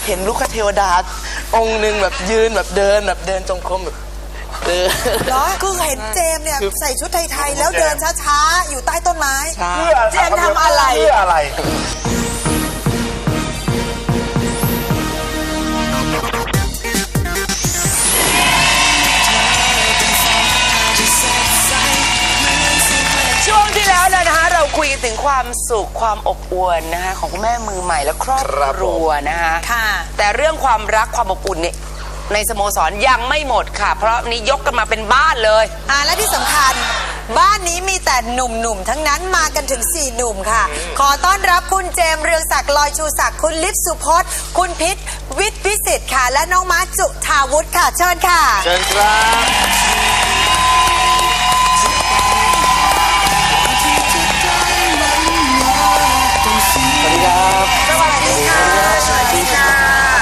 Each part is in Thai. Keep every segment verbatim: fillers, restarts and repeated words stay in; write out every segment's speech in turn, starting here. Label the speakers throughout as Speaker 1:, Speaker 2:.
Speaker 1: เห็นลูกเทวดาองค์หนึ่งแบบยืนแบบเดินแบบเดินจงกรมแบบเดิน
Speaker 2: เหรอคือเห็นเจมเนี่ยใส่ชุดไทยๆแล้วเดินช้าๆอยู่ใต้ต้นไม้เพื่อเจมทำอะไร
Speaker 3: เพื่ออะไร
Speaker 1: ช่วงที่แล้วนะฮะเราคุยกันถึงความสุขความอบอวลนะคะของคุณแม่มือใหม่และครอบครัวนะคะค่ะแต่เรื่องความรักความอบอุ่นเนี่ยในสโมสรยังไม่หมดค่ะเพราะนี้ยกกันมาเป็นบ้านเลย
Speaker 2: อ่าและที่สำคัญบ้านนี้มีแต่หนุ่มๆทั้งนั้นมากันถึงสี่หนุ่มค่ะขอต้อนรับคุณเจมส์เรืองศักดิ์ลอยชูศักดิ์คุณลิฟสุพจน์คุณพิษวิทย์วิสิทธิ์ค่ะและน้องม้าจุธาวุฒิค่ะเชิญค่ะ
Speaker 3: เชิญครับ
Speaker 1: สวัสดีค่ะสวัสดีค่ะ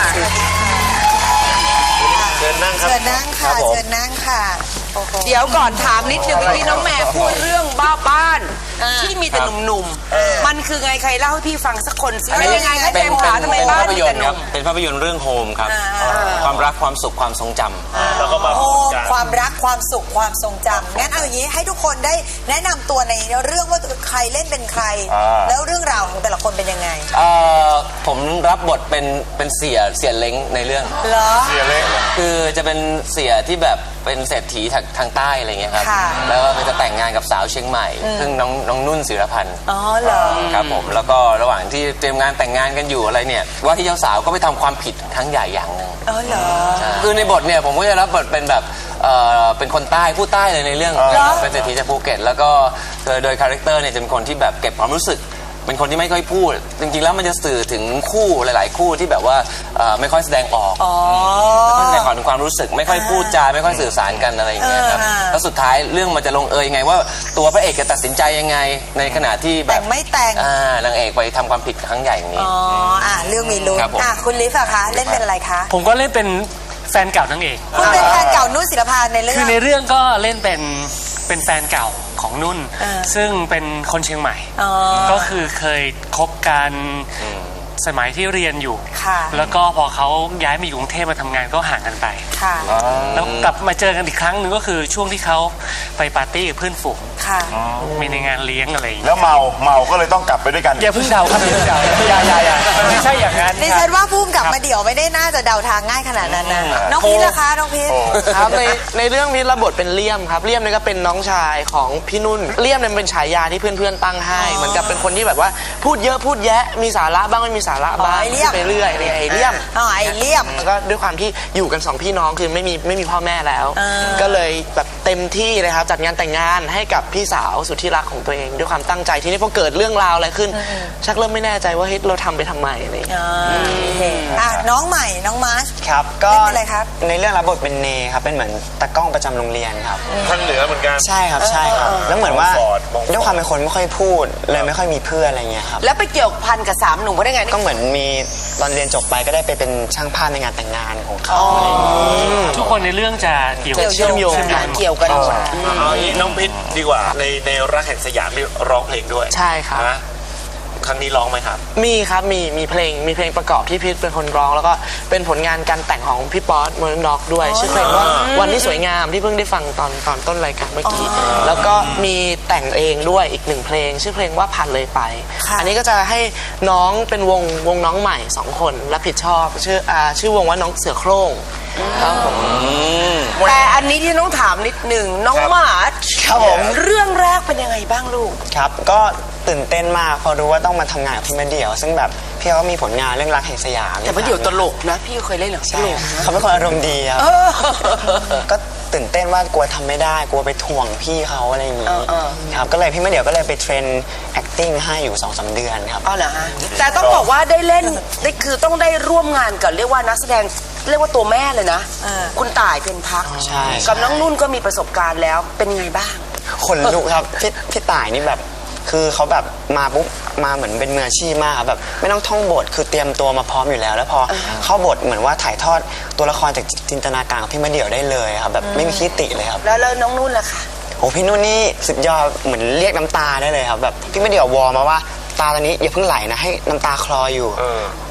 Speaker 3: เชิญนั่งครับ
Speaker 2: เชิญนั่งค่ะเชิญนั่งค่ะ
Speaker 1: เดี๋ยวก่อนถามนิดนึงที่น้องแม่พูดเรื่องบ้าบ้านที่มีแต่หนุ่มๆมันคือไงใครเล่าให้พี่ฟังสักคนสิเป็นยังไงคะเจมส์ขาทำไมบ้านมีแต่หนุ่ม
Speaker 4: เป็นภาพยนตร์เรื่องโฮมครับความรักความสุขความทรงจำ
Speaker 3: แล้วก็มา
Speaker 2: โฮมความรักความสุขความทรงจำงั้นเอาอย่างนี้ให้ทุกคนได้แนะนำตัวในเรื่องว่าใครเล่นเป็นใครแล้วเรื่องราวของแต่ละคนเป็นยังไง
Speaker 4: ผมรับบทเป็นเป็นเสียเสียเล้งในเรื่อง
Speaker 2: เหรอ
Speaker 3: เสียเล้ง
Speaker 4: คือจะเป็นเสียที่แบบเป็นเศรษฐีทางใต้อะไรเงี้ยครับแล้วก็จะแต่งงานกับสาวเชียงใหม่ซึ่งน้องน้องนุ่นศิรพันธ์
Speaker 2: อ๋อเหรอ
Speaker 4: ครับผมแล้วก็ระหว่างที่เตรียมงานแต่งงานกันอยู่อะไรเนี่ยว่าที่เจ้าสาวก็ไปทำความผิดครั้งใหญ่อย่างหนึ่ง
Speaker 2: อ๋อเหรอ
Speaker 4: คือในบทเนี่ยผมก็จะรับบทเป็นแบบเป็นคนใต้ผู้ใต้เลยในเรื่องเป็นเศรษฐีจากภูเก็ตแล้วก็โดยคาแรคเตอร์เนี่ยจะเป็นคนที่แบบเก็บความรู้สึกเป็นคนที่ไม่ค่อยพูดจริงๆแล้วมันจะสื่อถึงคู่หลายๆคู่ที่แบบว่าไม่ค่อยแสดงออกไม่ค่อยแสดงออกถึงความรู้สึกไม่ค่อยพูดจาไม่ค่อยสื่อสารกันอะไรอย่างเงี้ยครับแล้วสุดท้ายเรื่องมันจะลงเอยยังไงว่าตัวพระเอกจะตัดสินใจยังไงในขณะที่แบบ
Speaker 2: แต่งไม่แต่ง
Speaker 4: นางเอกไปทำความผิดครั้งใหญ่อย่างนี้
Speaker 2: อ๋ออ่ะเรื่องมีลุ้นอ่ะคุณลิฟอะคะเล่นเป็นอะไรคะ
Speaker 5: ผมก็เล่นเป็นแฟนเก่านางเอก
Speaker 2: คุณเป็นแฟนเก่านุ่นศิรพันธ์ในเรื่อง
Speaker 5: คือในเรื่องก็เล่นเป็นเป็นแฟนเก่าของนุ่นซึ่งเป็นคนเชียงใหม่ก็คือเคยคบกันสมัยที่เรียนอยู่แล้วก็พอเขาย้ายมาอยู่กรุงเทพมาทำงานก็ห่างกันไปแล้วกลับมาเจอกันอีกครั้งหนึ่งก็คือช่วงที่เขาไปปาร์ตี้กับเพื่อนฝูงมีในงานเลี้ยงอะไร
Speaker 3: แล้วเมาเมาก็เลยต้องกลับไปด้วยกัน
Speaker 5: อย่าเพิ่งเดาครับอย่าเพิ่งเดาอย่าอย่าอย่าไม่ใช่อย่างนั้น
Speaker 2: ดิฉันว่าพุ่มกลับมาเดี่ยวไม่ได้น่าจะเดาทางง่ายขนาดนั้นนะน้องพีทล่ะคะน้องพีท
Speaker 1: ครับในในเรื่องพีทรับบทเป็นเลี่ยมครับเลี่ยมนี่ก็เป็นน้องชายของพี่นุ่นเลี่ยมเนี่ยเป็นฉายาที่เพื่อนๆตั้งให้เหมือนกับเป็นคนที่แบบว่าพูดเยอะพูดแยะมีสาระบ้างไม่มีสาระบ้างไปเรื่อยไอ้เลี่ยม
Speaker 2: อ๋อไอ้เลี่ยม
Speaker 1: แล้วก็ด้วยความที่อยู่กันสองพี่น้องคือไม่มีไม่มีพ่อแม่แล้วก็เลยแบบเต็มที่เลยครับจัดงานแต่งงานให้กับพี่สาวสุดที่รักของตัวเองด้วยความตั้งใจที่นี่พอเกิดเรื่องราวอะไรขึ้นชักเริ่มไม่แน่ใจว่าเฮ้ยเราทำไปทำไมอะไร
Speaker 2: อ่ะน้องใหม่น้องมาร์ช
Speaker 6: ครับก็
Speaker 2: เป็นอะไรครับ
Speaker 6: ในเรื่องรับบทเป็นเนครับเป็นเหมือนตากล้องประจำโรงเรียนครับ
Speaker 3: ทางเหนือเหมือนกัน
Speaker 6: ใช่ครับใช่ครับแล้วเหมือนว่าด้วยความเป็นคนไม่ค่อยพูดเลยไม่ค่อยมีเพื่อนอะไรเงี้ยครับ
Speaker 1: แล้วไปเกี่ยวพันกับสามหนุ่มได้ไง
Speaker 6: ก็เหมือนมีตอนเรียนจบไปก็ได้ไปเป็นช่างภาพในงานแต่งงานของเขา
Speaker 5: ทุกคนในเรื่องจะเกี่ยว
Speaker 1: เชื่อมโยงเกี่ยวกันหมด
Speaker 3: น้องพิษดีกว่าในในรักแห่งสยามที่ร้องเพลงด้วย
Speaker 1: ใช่ครับ
Speaker 3: ครั้งนี้ร้องไหมครับ
Speaker 1: มีครับมีมีเพลงมีเพลงประกอบที่พิษเป็นคนร้องแล้วก็เป็นผลงานการแต่งของพี่ป๊อตเมอร์น็อกด้วยชื่อเพลงว่าวันที่สวยงามที่เพิ่งได้ฟังตอนตอนต้นรายการเมื่อกี้แล้วก็มีแต่งเองด้วยอีกหนึ่งเพลงชื่อเพลงว่าผ่านเลยไปอันนี้ก็จะให้น้องเป็นวงวงน้องใหม่สองคนรับผิดชอบชื่ออ่าชื่อวงว่าน้องเสือโคร่งครับผมแต่อันนี้ที่น้องถามนิดหนึ่งน้องมาร์ช
Speaker 6: ครับผม
Speaker 1: เรื่องแรกเป็นยังไงบ้างลูก
Speaker 6: ครับก็ตื่นเต้นมากพอรู้ว่าต้องมาทำงานกับพี่มาเดี่ยวซึ่งแบบพี่เขามีผลงานเรื่องรักแห่งสยาม
Speaker 1: แต่มาเดี่ยวตลกนะพี่เคยเล่นหนังตลก
Speaker 6: เขาเป็นคนอารมณ์ดีครับก็ตื่นเต้นว่ากลัวทำไม่ได้กลัวไปถ่วงพี่เขาอะไรอย่างนี้ครับก็เลยพี่มาเดี่ยวก็เลยไปเทรน acting ให้อยู่ สองสาม เดือนครับ
Speaker 1: อ๋อเหรอฮะแต่ต้องบอกว่าได้เล่นได้คือต้องได้ร่วมงานกับเรียกว่านักแสดงเรียกว่าตัวแม่เลยนะคุณต่ายเพ็ญพักกับน้องนุ่นก็มีประสบการณ์แล้วเป็นไงบ้าง
Speaker 6: ขนลุกครับพี่พี่ต่ายนี่แบบคือเขาแบบมาปุ๊บมาเหมือนเป็นมืออาชีพมากครับแบบไม่ต้องท่องบทคือเตรียมตัวมาพร้อมอยู่แล้วแล้วพอเข้าบทเหมือนว่าถ่ายทอดตัวละครจากจินตนาการของพี่มาเดี่ยวได้เลยครับแบบไม่มีขี้ติเลยครับ
Speaker 1: แล้วน้องนุ่นล่ะคะ
Speaker 6: โอ้พี่นุ่นนี่สุดยอดเหมือนเรียกน้ำตาได้เลยครับแบบพี่มาเดี่ยววอมาว่าตาตอนนี้อย่าเพิ่งไหลนะให้น้ำตาคลออยู่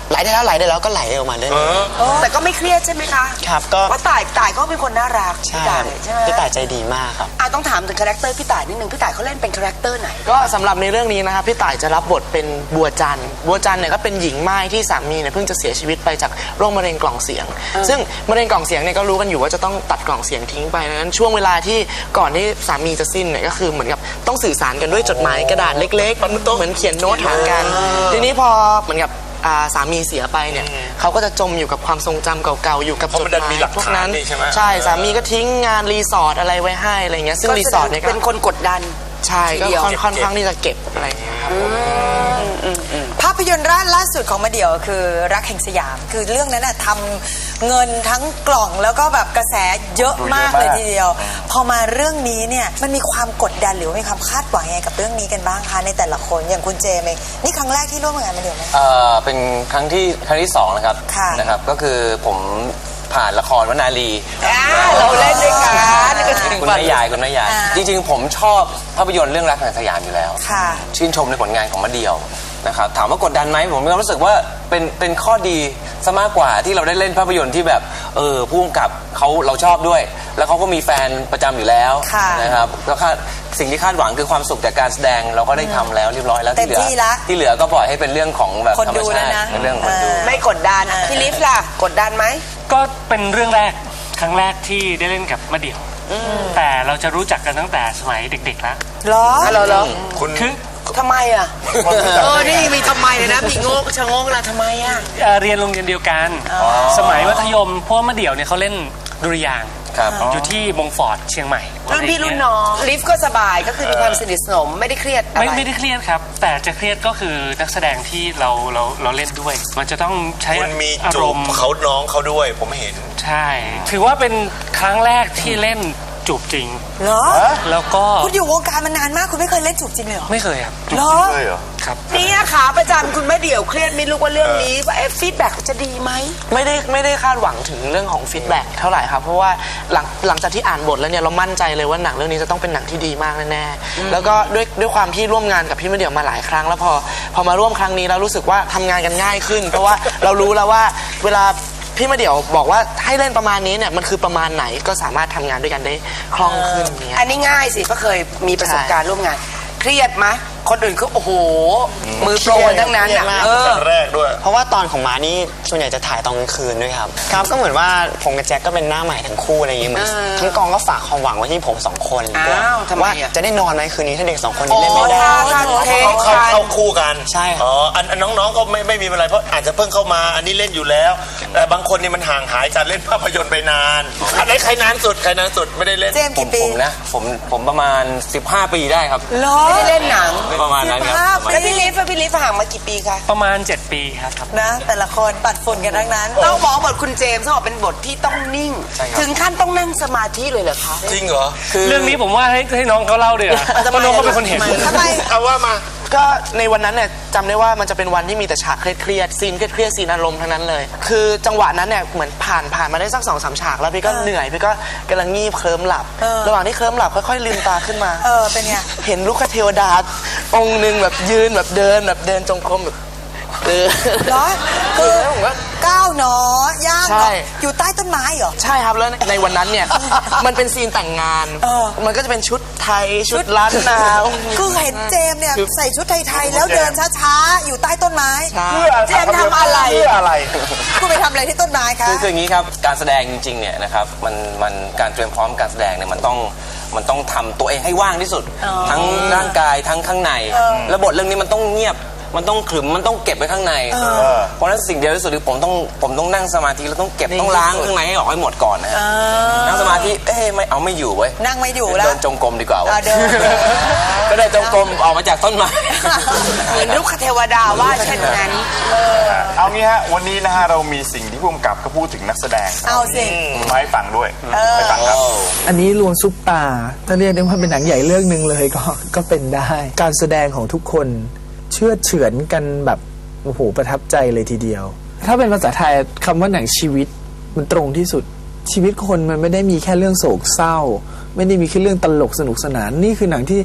Speaker 6: ไหลได้แล้วไหลได้แล้วก็ไหลออกมาเรื่อย
Speaker 7: แต่ก็ไม่เครียดใช่ไหมคะ
Speaker 6: ๆครับก็
Speaker 7: เพราะต่ายต่ายก็เป็นคนน่ารัก
Speaker 6: ใช่
Speaker 7: พี่ต่ายใช่ไหม
Speaker 6: พี่ต่ายใจดีมากครับ
Speaker 7: อ่ะต้องถามถึงคาแรคเตอร์พี่ต่ายนิดนึงพี่ต่ายเขาเล่นเป็นคาแรคเตอร์ไหน
Speaker 1: ก็สำหรับในเรื่องนี้นะครับพี่ต่ายจะรับบทเป็นบัวจันทร์บัวจันทร์เนี่ยก็เป็นหญิงม่ายที่สามีเนี่ยเพิ่งจะเสียชีวิตไปจากโรคมะเร็งกล่องเสียง ซึ่งมะเร็งกล่องเสียงเนี่ยก็รู้กันอยู่ว่าจะต้องตัดกล่องเสียงทิ้งไปดังนั้นช่วงเวลาที่ก่อนที่สามีจะสิ้นเนี่ยก็คือเหมือนกับต้องสื่อสารกันด้วยจดหมายกระดาษเล็กๆเหมือนเขียนโน้ตหากันทีนี้พอเหมือนกับอ่าสามีเสียไปเนี่ยเขาก็จะจมอยู่กับความทรงจำเก่าๆอยู่กับ
Speaker 3: เพราะ
Speaker 1: จ
Speaker 3: มั
Speaker 1: ด
Speaker 3: นดัน
Speaker 1: หมา
Speaker 3: มี
Speaker 1: ย
Speaker 3: หลัก
Speaker 1: พวก
Speaker 3: ฐาน
Speaker 1: นั้น
Speaker 3: นี่ใช่ไหม
Speaker 1: ใช่สามีก็ทิ้งงานรีสอร์ทอะไรไว้ให้อะไรเงี้ยซึ่งรีสอร์ทเนี่ยก็
Speaker 7: เป็นคนกดดัน
Speaker 1: ใช่ก็
Speaker 7: ทีเดียว
Speaker 1: ค่อนค่อนข้างที่จะเก็บอะไรอย่างเงี้ยครับผม
Speaker 2: ภาพยนตร์ร่านล่าสุดของมาเดี่ยวคือรักแห่งสยาม คือเรื่องนั้นน่ะทำเงินทั้งกล่องแล้วก็แบบกระแสเยอะมากเลยทีเดียว พอมาเรื่องนี้เนี่ยมันมีความกดดันหรือว่ามีความคาดหวังยังไงกับเรื่องนี้กันบ้างคะในแต่ละคนอย่างคุณเจมส์เองนี่ครั้งแรกที่ร่วมงานมาเดี่ยวไหม
Speaker 4: เอ่อเป็นครั้งที่ครั้งที่สองนะครับ
Speaker 2: ค่ะ
Speaker 4: นะครับก็คือผมผ่านละครวนาลี
Speaker 7: อ่าเราเล่นด้วยกัน
Speaker 4: คุณแม่ยายคุณแม่ยาย
Speaker 2: อ่า
Speaker 4: จริงๆ ผมชอบภาพยนตร์เรื่องรักแห่งสยามอยู่แล้ว
Speaker 2: ค่ะ
Speaker 4: ชื่นชมในผลงานของมะเดี่ยวนะครับถามว่ากดดันไหมผมมีความรู้สึกว่าเป็นเป็นข้อดีซะมากกว่าที่เราได้เล่นภาพยนตร์ที่แบบเออผู้กำกับเขาเราชอบด้วย แล้วเขาก็มีแฟนประจำอยู่แล้ว
Speaker 2: ค่ะ
Speaker 4: นะครับแล้วคาดสิ่งที่คาดหวังคือความสุขจากการแสดงเราก็ได้ทำแล้วเรียบร้อยแล้ว
Speaker 2: เต็ม
Speaker 4: ที่เหลือ
Speaker 2: ที่ละ
Speaker 4: ที่เหลือก็ปล่อยให้เป็นเรื่องของแบบ
Speaker 2: คน
Speaker 4: ธรรม
Speaker 2: ดู
Speaker 4: ชา
Speaker 2: แล้ว
Speaker 4: ติ
Speaker 2: นะ
Speaker 4: เป็นเรื่องของคนดู
Speaker 7: ไม่กดดันพี่ลิฟล่ะกดดันไหม
Speaker 5: ก็เป็นเรื่องแรกครั้งแรกที่ได้เล่นกับมะเดี่ยว แต่เราจะรู้จักกันตั้งแต่สมัยเด็กๆแล้ว
Speaker 2: เหรอ
Speaker 7: เหรอเหรอ
Speaker 3: คุณ
Speaker 5: คือ
Speaker 7: ทำไมอ่ะ เออ นี่มีทำไมเลยนะ มีโงกชะโงกละทำไมอ่ะ
Speaker 5: เอ่อเรียนโรงเรียนเดียวกัน สมัยมัธยมเพราะว่ามะเดี่ยวเนี่ยเขาเล่นดุริยางค์
Speaker 4: ครับ
Speaker 5: อยู่ที่มงฟอร์ดเชียงใหม่
Speaker 7: รุ่นพี่รุ่นน้อง ลิฟก็สบายก็คือมีความสนิทสนมไม่ได้เครียดอะไร
Speaker 5: ไม่ไม่ได้เครียดครับ แต่จะเครียดก็คือนักแสดงที่เราเราเราเล่นด้วย มันจะต้องใช้
Speaker 3: คุณมี
Speaker 5: อา
Speaker 3: จู
Speaker 5: ร
Speaker 3: บ
Speaker 5: มณ์
Speaker 3: เขาน้องเขาด้วยผมเห็น
Speaker 5: ใช่ ถือว่าเป็นครั้งแรกที่เล่นจูบจริง
Speaker 2: เหรอ
Speaker 5: แล้วก็
Speaker 2: คุณอยู่วงการมานานมากคุณไม่เคยเล่นจูบจริงเลยเหรอ
Speaker 5: ไม่เคยครับ
Speaker 2: เหรอ
Speaker 5: ครับ
Speaker 7: นี่ขาประจำคุณแม่เดี่ยวเครียดไม่รู้ว่าเรื่องนี้ว่าฟีดแบ็กจะดีไหม
Speaker 1: ไม่ได้ไม่ได้คาดหวังถึงเรื่องของฟีดแบ็กเท่าไหร่ครับ เพราะว่าหลังหลังจากที่อ่านบทแล้วเนี่ยเรามั่นใจเลยว่าหนังเรื่องนี้จะต้องเป็นหนังที่ดีมากแน่ๆแล้วก็ด้วยด้วยความที่ร่วมงานกับพี่มะเดี่ยวมาหลายครั้ง แล้วพอพอมาร่วมครั้งนี้แล้วรู้สึกว่าทำงานกันง่ายขึ้น เพราะว่าเรารู้แล้วว่าเวลาพี่มะเดี่ยวบอกว่าให้เล่นประมาณนี้เนี่ยมันคือประมาณไหนก็สามารถทำงานด้วยกันได้คล่องขึ้นอย่างเงี้ย
Speaker 7: อันนี้ง่ายสิเพราะเคยมีประสบการณ์ร่วมงาน เครียดไหมคนอื่นเขาโอ้โห มือโปรทั้งนั้น
Speaker 6: เครีย
Speaker 7: อ่ะ
Speaker 6: ดมาก
Speaker 7: เออ
Speaker 3: แรกด้วย
Speaker 6: เพราะว่าตอนของมานี่ส่วนใหญ่จะถ่ายตอนกลางคืนด้วยครับ ครับก็เหมือนว่าผมกับแจ็คก็เป็นหน้าใหม่ทั้งคู่อะไรอย่างเงี้ยเหมือนทั้งกองก็ฝากความหวังไว้ที่ผมสองคน
Speaker 7: อ้าวทำไม
Speaker 6: ว่า
Speaker 7: อ่ะ
Speaker 6: จะได้นอนไหมคืนนี้ถ้าเด็กสองคนนี้เล่นไม่ได้
Speaker 7: อ๋อท่าทางเทค
Speaker 3: เข้าเข้าคู่กัน
Speaker 6: ใช่ครับ
Speaker 3: อ๋ออันอันน้องๆก็ไม่ไม่มีอะไรเพราะอาจจะเพิ่งเข้ามาอันนี้เล่นอยู่แล้ว แต่บางคนนี่มันห่างหายจากเล่นภาพยนตร์ไปนานอันไหนใครนานสุดใครนานสุดไม่ได้เล่น
Speaker 2: เจมส์
Speaker 4: ผม
Speaker 2: กี่ปี
Speaker 4: ผมนะผมผมประมาณสิบห้าปีได้ครับ
Speaker 2: เหรอ
Speaker 7: ไม่ได้เล่นหนัง
Speaker 4: ประมาณนั้นครับ
Speaker 2: สิบห้า
Speaker 4: ประมาณ
Speaker 7: แล้ว
Speaker 4: นั้น
Speaker 7: พี่ลิฟต์พี่ลิฟต์ห่างมากี่ปีคะ
Speaker 5: ประมาณ เจ็ด ปีครับ
Speaker 2: นะ แต่ละคนปัดฝุ่นกันทั้งนั้น
Speaker 7: ต้องบอกบทคุณเจมส์ต้องบอกเป็นบทที่ต้องนิ่ง ถึงขั้นต้องนั่งสมาธิเลยเหรอคะ
Speaker 3: จริงเหรอ
Speaker 5: เรื่องนี้ผมว่าให้ให้น้องเขาเล่าดีกว่าเพราะน้องเขาเป็นคนเห็น
Speaker 2: ทำไม
Speaker 3: เอาว่ามา
Speaker 1: ก็ในวันนั้นเนี่ยจำได้ว่ามันจะเป็นวันที่มีแต่ฉากเครียดๆซีนเครียดๆซีนอารมณ์ทั้งนั้นเลย คือจังหวะนั้นเนี่ยเหมือนผ่านผ่านมาได้สักสองสามฉากแล้วพี่ก็เหนื่อยพี่ก็กำลังงีบเคลิ้มหลับ
Speaker 2: เออ
Speaker 1: ระหว่างที่เคลิ้มหลับค่อยๆลืมตาขึ้นมา
Speaker 2: เออเป็นไง
Speaker 1: เห็นลูกคเทวดาองค์หนึ่งแบบยืนแบบเดินแบบเดินจงกรมแบบเออ
Speaker 2: เหรอคือก้าวหนอย่าง
Speaker 1: ใช่
Speaker 2: หนออยู่ใต้ต้นไม้เหรอ
Speaker 1: ใช่ครับแล้วในวันนั้นเนี่ย มันเป็นซีนแต่งงาน
Speaker 2: เออ
Speaker 1: มันก็จะเป็นชุดไทยชุดล้านนา
Speaker 2: คือเห็นเจมส์เนี่ยใส่ชุดไทยๆแล้วเดินช้าๆ อยู่ใต้ต้นไม้
Speaker 1: ใช่
Speaker 2: เจมส์ทำอะไร
Speaker 3: เพื่ออะไร
Speaker 2: คุณไปทำอะไรที่ต้นไม้คะ
Speaker 4: คือคืออย่างนี้ครับการแสดงจริงๆเนี่ยนะครับมันมันการเตรียมพร้อมการแสดงเนี่ยมันต้องมันต้องทำตัวเองให้ว่างที่สุด ทั้งร่างกายทั้งข้างในแล้วบทเรื่องนี้มันต้องเงียบมันต้องขรึมมันต้องเก็บไว้ข้างในเพราะฉะนั้นสิ่งเดียวที่สุดคือผมต้องผมต้องนั่งสมาธิแล้วต้องเก็บต้องล้างข้างในให้ออกให้หมดก่อนนะฮะนั่งสมาธิเอ๊ะไม่เอาไม่อยู่เว้ย
Speaker 2: นั่งไม่อยู่แล้ว
Speaker 4: เดินจงกรมดีกว่า
Speaker 2: อ่ะ
Speaker 4: เว้ย
Speaker 2: เดิน
Speaker 4: ก็เดินจงกรมออกมาจากต้นไม้
Speaker 7: เหมือนลูกคเทวดาว่าเช่นนั้น
Speaker 8: เอางี้ฮะวันนี้นะฮะเรามีสิ่งที่ผู้กำกับก็พูดถึงนักแสดง
Speaker 2: เอาสิ
Speaker 8: มาให้ฟังด้วยไปฟังครับ
Speaker 9: อันนี้รวมซุปตาถ้าเรียกได้ว่าเป็นหนังใหญ่เรื่องหนึ่งเลยก็ ก็เป็นได้ การแสดงของทุกคนเชื่อดเฉือนกันแบบโอ้โหประทับใจเลยทีเดียว ถ้าเป็นภาษาไทยคำว่าหนังชีวิตมันตรงที่สุด ชีวิตคนมันไม่ได้มีแค่เรื่องโศกเศร้า ไม่ได้มีแค่เรื่องตลกสนุกสนานนี่คือหนังที่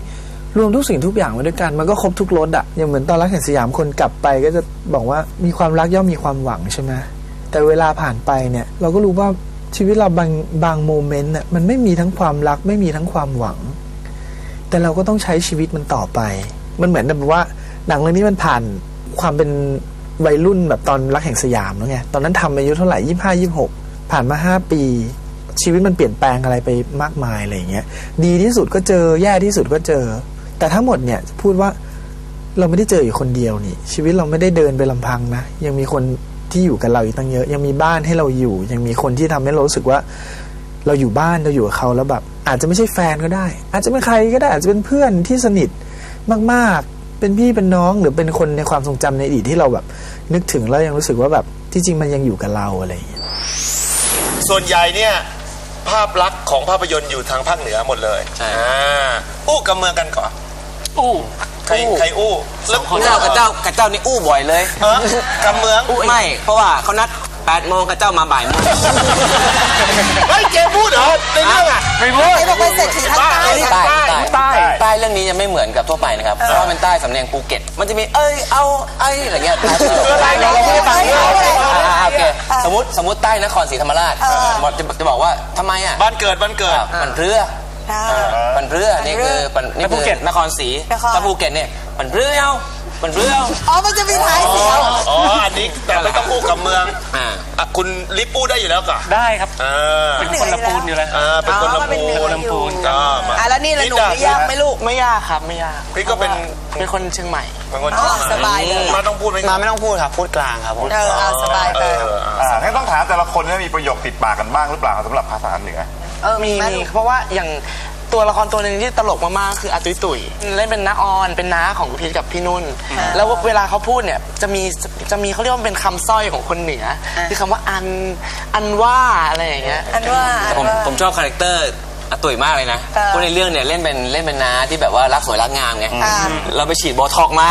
Speaker 9: รวมทุกสิ่งทุกอย่างไว้ด้วยกันมันก็ครบทุกรสอะอย่างเหมือนตอนรักแห่งสยามคนกลับไปก็จะบอกว่ามีความรักย่อมมีความหวังใช่ไหมแต่เวลาผ่านไปเนี่ยเราก็รู้ว่าชีวิตเราบางบางโมเมนต์น่ะมันไม่มีทั้งความรักไม่มีทั้งความหวัง แต่เราก็ต้องใช้ชีวิตมันต่อไปมันเหมือนแบบว่าหนังเรื่องนี้มันผ่านความเป็นวัยรุ่นแบบตอนรักแห่งสยามแล้วไงตอนนั้นทำอายุเท่าไหร่ยี่สิบห้ายี่สิบหกผ่านมาห้าปีชีวิตมันเปลี่ยนแปลงอะไรไปมากมายอะไรอย่างเงี้ยดีที่สุดก็เจอแย่ที่สุดก็เจอแต่ทั้งหมดเนี่ยพูดว่าเราไม่ได้เจออยู่คนเดียวนี่ชีวิตเราไม่ได้เดินไปลำพังนะยังมีคนที่อยู่กับเราอีกตั้งเยอะยังมีบ้านให้เราอยู่ยังมีคนที่ทำให้เรารู้สึกว่าเราอยู่บ้านเราอยู่กับเขาแล้วแบบอาจจะไม่ใช่แฟนก็ได้อาจจะเป็นใครก็ได้อาจจะเป็นเพื่อนที่สนิทมากๆเป็นพี่เป็นน้องหรือเป็นคนในความทรงจำในอดีตที่เราแบบนึกถึงแล้วยังรู้สึกว่าแบบที่จริงมันยังอยู่กับเราอะไรอย่างเงี้ย
Speaker 3: ส่วนใหญ่เนี่ยภาพลักษณ์ของภาพยนตร์อยู่ทางภาคเหนือหมดเลย
Speaker 4: ใช่
Speaker 3: อ่าอู้กับเมืองกันก่อน
Speaker 5: อู้
Speaker 3: ใครใครอู้แล้ว
Speaker 4: เจ้ากับเจ้ากับเจ้านี่อู้บ่อยเลย
Speaker 3: เออกับเมือง
Speaker 4: ไม่ เพราะว่าเขานัดแปดโมงกับเจ้ามาบ่ายโมง
Speaker 3: เฮ้ยเจมพูดเหรอในเรื่องอ่ะ
Speaker 5: ไม่พูด
Speaker 2: ไอ้บอกเป็นเศรษฐีทางใต้
Speaker 4: ใต้
Speaker 2: อะ
Speaker 4: ใต้ใต้เรื่องนี้จะไม่เหมือนกับทั่วไปนะครับ เพราะว่าเป็นใต้สำเนียงภูเก็ต มันจะมีเอ้ยเอาไอ้อะไรเงี้ย
Speaker 3: อะไรเราเราไม่ได้ฟัง
Speaker 4: อ่าโอเคสมมติสมมติใต้นครศรีธรรมราชจะจะบอกว่าทำไมอ่ะ
Speaker 3: บ้านเกิดบ้านเกิด
Speaker 4: มันเรือมันเรือนี่คือนี่คือนครศรีถ้าภูเก็ตเนี่ยมันเรือเอามันเรือเอา
Speaker 2: อ๋อมันจะมีท้ายเสียง
Speaker 3: อ๋ออันนี้แต่ไม่ต้องอู้กับเมือง
Speaker 4: อ่า
Speaker 3: อ่ะคุณลิปอู้ได้อยู่แล้วก่ะ
Speaker 5: ได้ครับ
Speaker 3: อ่า
Speaker 5: เป็นคนละปูนอยู่แล้ว
Speaker 3: อ่าเป็นคนละ
Speaker 2: อ๋อมันเป็น
Speaker 3: ปู
Speaker 2: เหนือ
Speaker 3: ลำพูนก็มา
Speaker 7: อ่ะแล้วนี่ละหนุ่มไม่ยากไหมลูก
Speaker 1: ไม่ยากครับไม่ยาก
Speaker 3: พี่ก็เป็น
Speaker 1: เป็นคนเชียงใหม่
Speaker 3: เป็นคน
Speaker 2: อ๋อสบายเลย
Speaker 3: มาต้องพูดไหม
Speaker 6: มาไม่ต้องพูดครับพูดกลางครับผม
Speaker 2: เออเอาสบายไป
Speaker 3: เออ
Speaker 8: อ่างั้นต้องถามแต่ละคนว่ามีประโยคติดปากกันบ้างหรือเปล่าสำหรับภาษาเหนือ
Speaker 2: เออ
Speaker 1: มี
Speaker 2: ไห
Speaker 1: มีเพราะว่าอย่างตัวละครตัวหนึ่งที่ตลกมากๆคืออาตุยตุยเล่นเป็นน้าออนเป็นน้าของพีทกับพี่นุ่น แล้วเวลาเขาพูดเนี่ยจะมีจะมีเขาเรียกว่าเป็นคำสร้อยของคนเหนือคือคำว่าอันอันว่าอะไรอย่างเงี้ย
Speaker 2: อันว่า
Speaker 4: แต่ผมผมชอบคาแรคเตอร์อาตุ๋ยมากเลยนะเพราะในเรื่องเนี่ยเล่นเป็นเล่นเป็นน้าที่แบบว่ารักสวยรักงามไงเราไปฉีดโบท็อกซ์มา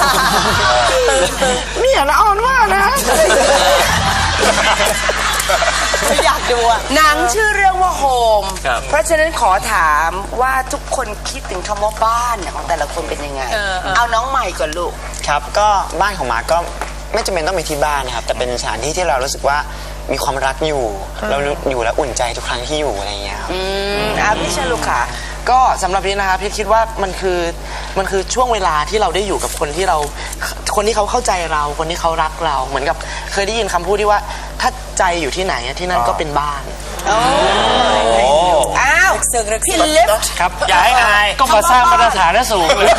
Speaker 1: เนี่ยน้าออนว่านะ
Speaker 2: ไม่อยากดูอ่ะ
Speaker 7: หนังชื่อเรื่องว่าโฮม
Speaker 4: ครับ
Speaker 7: เพราะฉะนั้นขอถามว่าทุกคนคิดถึงคำว่าบ้านเนี่ยของแต่ละคนเป็นยังไง เอาน้องใหม่ก่อนลูก
Speaker 6: ครับก็บ้านของมาร์คก็ไม่จำเป็นต้องเป็นที่บ้านนะครับแต่เป็นสถานที่ที่เรารู้สึกว่ามีความรักอยู่ เราอยู่แล้วอุ่นใจทุกครั้งที่อยู่อะไรอย่างเงี้ยครับ
Speaker 7: อืมอ่ะพี่ชลุกค่ะ
Speaker 1: ก็สำหรับพี่นะครับพี่คิดว่ามันคือมันคือช่วงเวลาที่เราได้อยู่กับคนที่เราคนที่เขาเข้าใจเราคนที่เขารักเราเหมือนกับเคยได้ยินคำพูดที่ว่าถ้าใจอยู่ที่ไหนที่นั่นก็เป็นบ้าน
Speaker 7: อ้าว
Speaker 2: สึกรึก
Speaker 7: พี่
Speaker 2: สึก
Speaker 7: ลิฟต์
Speaker 5: ครับ
Speaker 3: อย่าให้อาย
Speaker 5: ก็มาสร้างมาตรฐานให้สูงเลย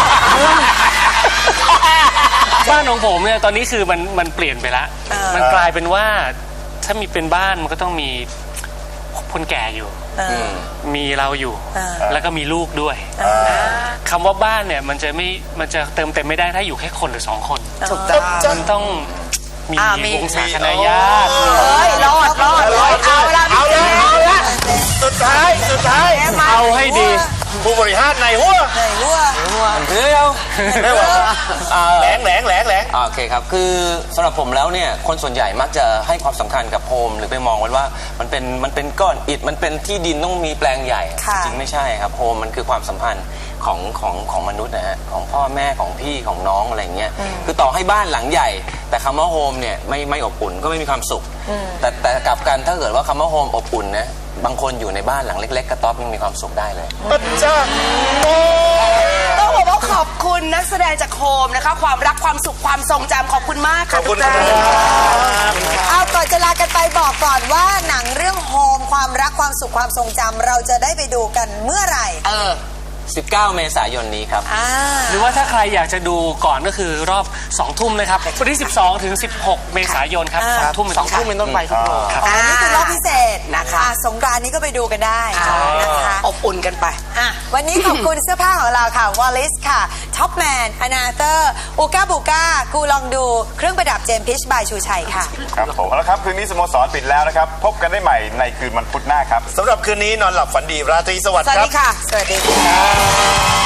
Speaker 5: บ้านของผมเนี่ยตอนนี้คือมันมันเปลี่ยนไปละมันกลายเป็นว่าถ้ามีเป็นบ้านมันก็ต้องมีคนแก่อยู่ มีเราอยู่ แล้วก็มีลูกด้วยคำว่าบ้านเนี่ยมันจะไม่มันจะเติมเต็มไม่ได้ถ้าอยู่แค่คนหรือสองคน
Speaker 7: ถูกต้อง
Speaker 5: มันต้องมี
Speaker 7: อ่ามี
Speaker 5: วงศาคณะญาติ
Speaker 7: เฮ้ยรอดรอดรอดเอาละ
Speaker 3: เอาเลยเอาละสุดท้ายสุดท้าย
Speaker 5: เอาให้ดี
Speaker 3: ผู้บริหารในหัว
Speaker 2: ไหนวัว
Speaker 4: มันเรือเอา
Speaker 3: ไม่ว่าแหลงแหลงแหลงแหลง
Speaker 4: โอเคครับ คือสำหรับผมแล้วเนี่ย คนส่วนใหญ่มักจะให้ความสำคัญกับโฮมหรือไปมองไว้ว่ามันเป็นมันเป็นก้อนอิฐ มันเป็นที่ดินต้องมีแปลงใหญ่
Speaker 2: ค่ะ
Speaker 4: จริงไม่ใช่ครับ โฮมมันคือความสัมพันธ์ของของของมนุษย์นะฮะ ของพ่อแม่ของพี่ของน้องอะไรอย่างเงี้ย คือต่อให้บ้านหลังใหญ่ แต่คำว่าโฮมเนี่ยไม่ไม่อบอุ่นก็ไม่มีความสุข แต่แต่กลับกันถ้าเกิดว่าคำว่าโฮมอบอุ่นนะ บางคนอยู่ในบ้านหลังเล็ก ๆกระต๊อบยังมีความสุขได้เลย
Speaker 3: ปัจจ้าโอ้
Speaker 7: ต้องบอกว่าขอบคุณนักแสดงจากโฮมนะคะ ความรักความสุขความทรงจำขอบคุณมาก
Speaker 3: ข
Speaker 7: ค่ะ
Speaker 3: อบคุณ
Speaker 7: ทุก
Speaker 3: ค
Speaker 7: ท่าน
Speaker 3: รับ
Speaker 2: เอาก่อนจะลากันไปบอกก่อนว่าหนังเรื่องโฮมความรักความสุขความทรงจำเราจะได้ไปดูกันเมื่อไหร่
Speaker 7: เออ
Speaker 4: สิบเก้า เมษายนนี้ครับ
Speaker 2: อ่า
Speaker 5: หรือว่าถ้าใครอยากจะดูก่อนก็คือรอบสองทุ่มนะครับวันที่สิบสองถึงสิบหกเมษายนครับสองทุ่ม
Speaker 1: สองทุ่มเป็นต้นไปทุกโรงครับ
Speaker 2: อ๋อนี่คือรอบพิเศษ
Speaker 7: นะคะ
Speaker 2: อ่สงกรานต์นี้ก็ไปดูกันได้นะคะ
Speaker 7: อบอุ่นกันไป
Speaker 2: อ่ะวันนี้ขอบคุณเสื้อผ้าของเราค่ะวอลลิสค่ะท็อปแมนอนาเตอร์อูก้าบูก้ากูลองดูเครื่องประดับเจมพิชบายชูชัยค่ะ
Speaker 8: ครับผมเอาละครับคืนนี้สโมสรปิดแล้วนะครับ พบกันได้ใหม่ในคืนวันพุธหน้าครับ
Speaker 3: สำหรับคืนนี้นอนหลับฝันดีราตรีสวัสดิ์
Speaker 2: สวัส
Speaker 3: ครั
Speaker 2: ดี
Speaker 3: บ
Speaker 2: ค่ะ สวัสดีค่ะ